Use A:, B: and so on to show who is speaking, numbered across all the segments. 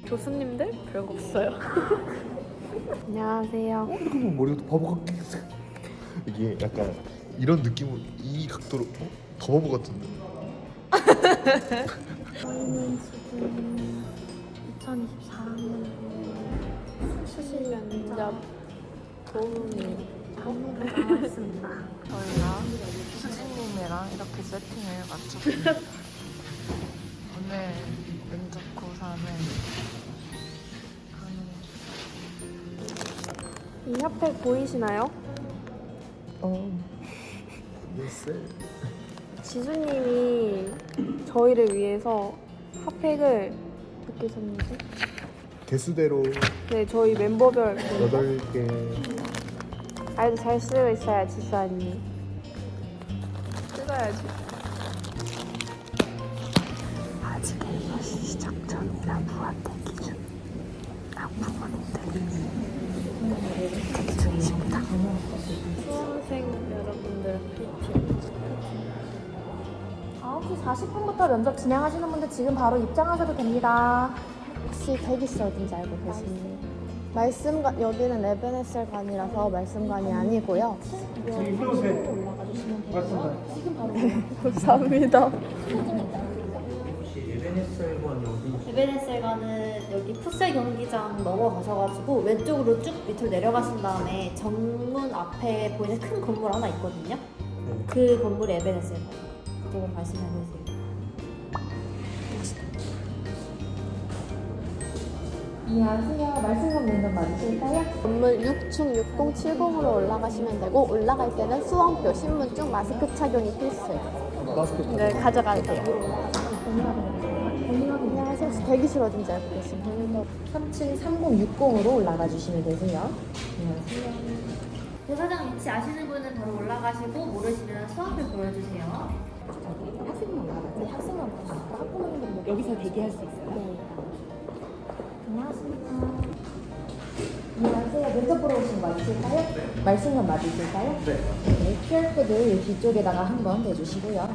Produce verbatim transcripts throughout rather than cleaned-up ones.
A: 교수님들 별거 없어요. 안녕하세요.
B: 어? 잠깐만 머리가 바보 같게 이게 약간 이런 느낌으로 이 각도로 어? 더 바보 같은데.
A: 저희는 지금 이천이십사 학년도 수시 면접 도우미 안무를 나왔습니다.
C: 저희가 수진님이랑 이렇게 세팅을 맞췄습니다. 오늘 면접고사는
A: 이 핫팩 보이시나요?
C: 어.
B: 네.
A: 지수님이 저희를 위해서 핫팩을 몇 개 샀는지?
B: 개수대로
A: 네, 저희 멤버별
B: 여덟 개.
A: 아이도 잘 쓰고 있어요, 지수 언니. 찍어야지.
C: 아직 일시 시작 전이라 무한대기 중 학부모님들이 대기 중이십니다.
A: 수험생 여러분들 파이팅.
D: 아홉 시 사십 분부터 면접 진행하시는 분들 지금 바로 입장하셔도 됩니다.
E: 혹시 대기실 어딘지 알고 계십니까? 말씀관, 여기는 에베네셀관이라서 말씀관이 아니고요.
A: 감사합니다.
F: 에베네셀관은 여기 풋살 경기장 넘어가셔가지고 왼쪽으로 쭉 밑으로 내려가신 다음에 정문 앞에 보이는 큰 건물 하나 있거든요. 그 건물이 에베네셀관. 그쪽으로 가시면 되세요.
D: 안녕하세요. 말씀관 면접 맞으실까요?
E: 건물 육 층 육공칠공으로 올라가시면 되고 올라갈 때는 수험표, 신분증, 마스크 착용이 필수예요.
A: 네, 가져갈게요.
E: 안녕하세요. 혹시 대기실 어딘지 알고 계십니까?
D: 삼 층 삼공육공으로 올라가 주시면 되세요. 안녕하세요.
F: 부사장 위치 아시는 분은 바로 올라가시고 모르시면 수험표 보여주세요.
D: 학생만 올라가세요. 학생만 올라가세요. 학부모님들은 여기서 대기할 수 있어요.
E: 네.
D: 안녕하십니까. 안녕하세요. 면접 보러 오신 거 맞으실까요? 네. 말씀관 맞으실까요? 네. 네. 큐알코드 이 뒤쪽에다가 한번 대주시고요.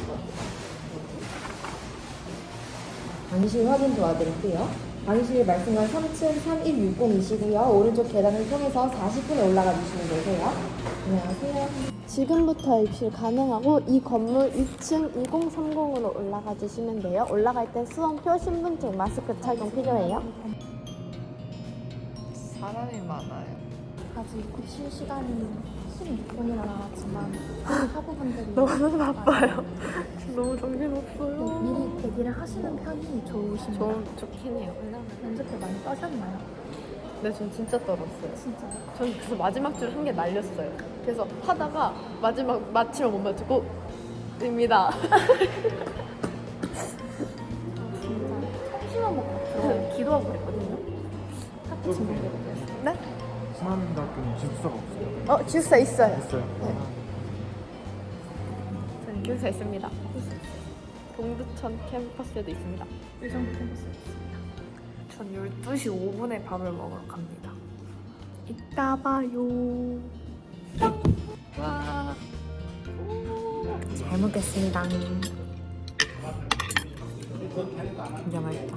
D: 방실 확인 도와드릴게요. 방실 말씀관 삼 층 삼일육공이시고요. 오른쪽 계단을 통해서 사십 분에 올라가 주시면 되세요. 안녕하세요.
E: 지금부터 입실 가능하고 이 건물 육 층 이공삼공으로 올라가 주시면 돼요. 올라갈 때 수험표, 신분증, 마스크 착용 필요해요.
C: 사람이 많아요.
D: 아직 입실 시간이 십육 분이나 남았지만 학우분들이
A: 너무 바빠요. 너무 정신없어요.
D: 미리 대기를 하시는 편이 좋으신가요?
A: 좀 좋긴 해요.
D: 면접 때 많이 떠셨나요?
A: 네, 전 진짜 떨었어요.
D: 진짜.
A: 전 그래서 마지막 줄 한 개 날렸어요. 그래서 하다가 마지막 마치면 못 맞추고 입니다.
D: 청심환 먹고 들어 기도하고 그랬거든요. 학교 친구들이 그랬어요.
A: 네?
B: 신한대학교는 기숙사가 없어요.
E: 어, 주사 있어요.
B: 있어요.
A: 저는 기숙사 있습니다. 동두천 캠퍼스에도 있습니다.
D: 의정 캠퍼스 있습니다.
A: 전 열두 시 오 분에 밥을 먹으러 갑니다. 이따 봐요. 와.
C: 잘 먹겠습니다. 진짜 맛있다.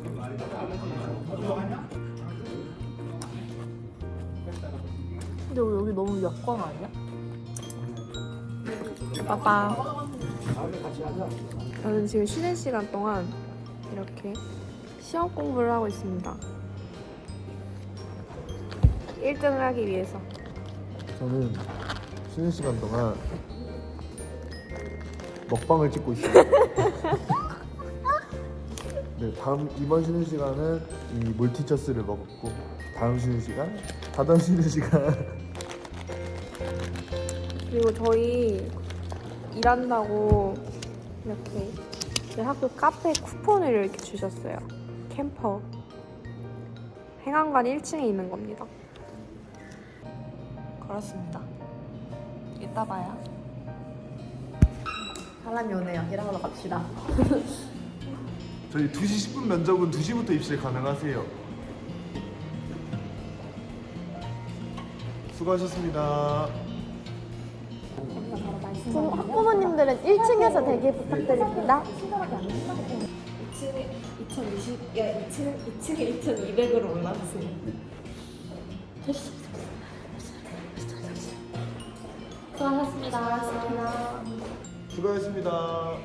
C: 근데 여기 너무 역광 아니야?
A: 빠빠. 저는 지금 쉬는 시간 동안 이렇게 시험 공부를 하고 있습니다. 일 등을 하기 위해서.
B: 저는 쉬는 시간 동안 먹방을 찍고 있어요. 네, 다음 이번 쉬는 시간은 이 몰티처스를 먹었고 다음 쉬는 시간, 다다음 쉬는 시간.
A: 그리고 저희 일한다고 이렇게 저희 학교 카페 쿠폰을 이렇게 주셨어요. 캠퍼. 행안관 일 층에 있는 겁니다.
C: 그렇습니다. 이따 봐요.
D: 사람이 오네요. 일하러 갑시다.
B: 저희 두 시 십 분 면접은 두 시부터 입실 가능하세요. 수고하셨습니다.
E: 지금 학부모님들은 일 층에서 대기 부탁드립니다.
F: 이천이십 야, 이 층, 이 층에 이천이백으로 올라갔어요. 수고하셨습니다.
B: 수고하셨습니다.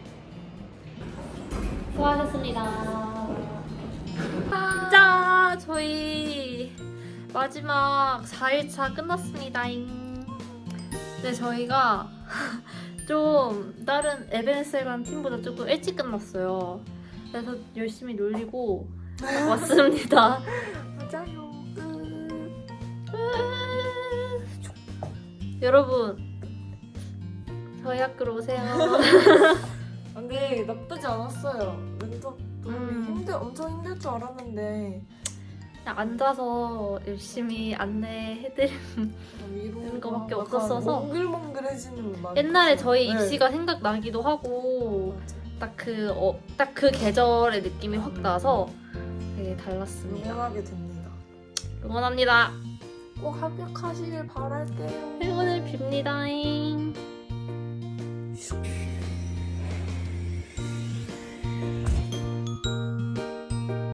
F: 수고하셨습니다. 짠! 저희 마지막 사 일차 끝났습니다잉. 네, 저희가 좀 다른 에베네셀관 팀보다 조금 일찍 끝났어요. 그래서 열심히 놀리고 왔습니다.
E: 맞아요.
F: 여러분, 저희 학교로 오세요.
E: 근데 나쁘지 않았어요. 면접 너무
F: 음.
E: 힘들, 엄청 힘들 줄 알았는데
F: 그냥 앉아서 열심히 안내해드리는
E: 위로
F: 거밖에
E: 약간
F: 없었어서.
E: 몽글몽글해지는 맛.
F: 옛날에 저희
E: 네.
F: 입시가 생각나기도 하고 딱 그 어, 딱 그 계절의 느낌이 확 나서 되게 달랐습니다.
E: 응원하게 됩니다.
F: 응원합니다.
E: 꼭 합격하시길 바랄게요.
F: 행운을 빕니다잉.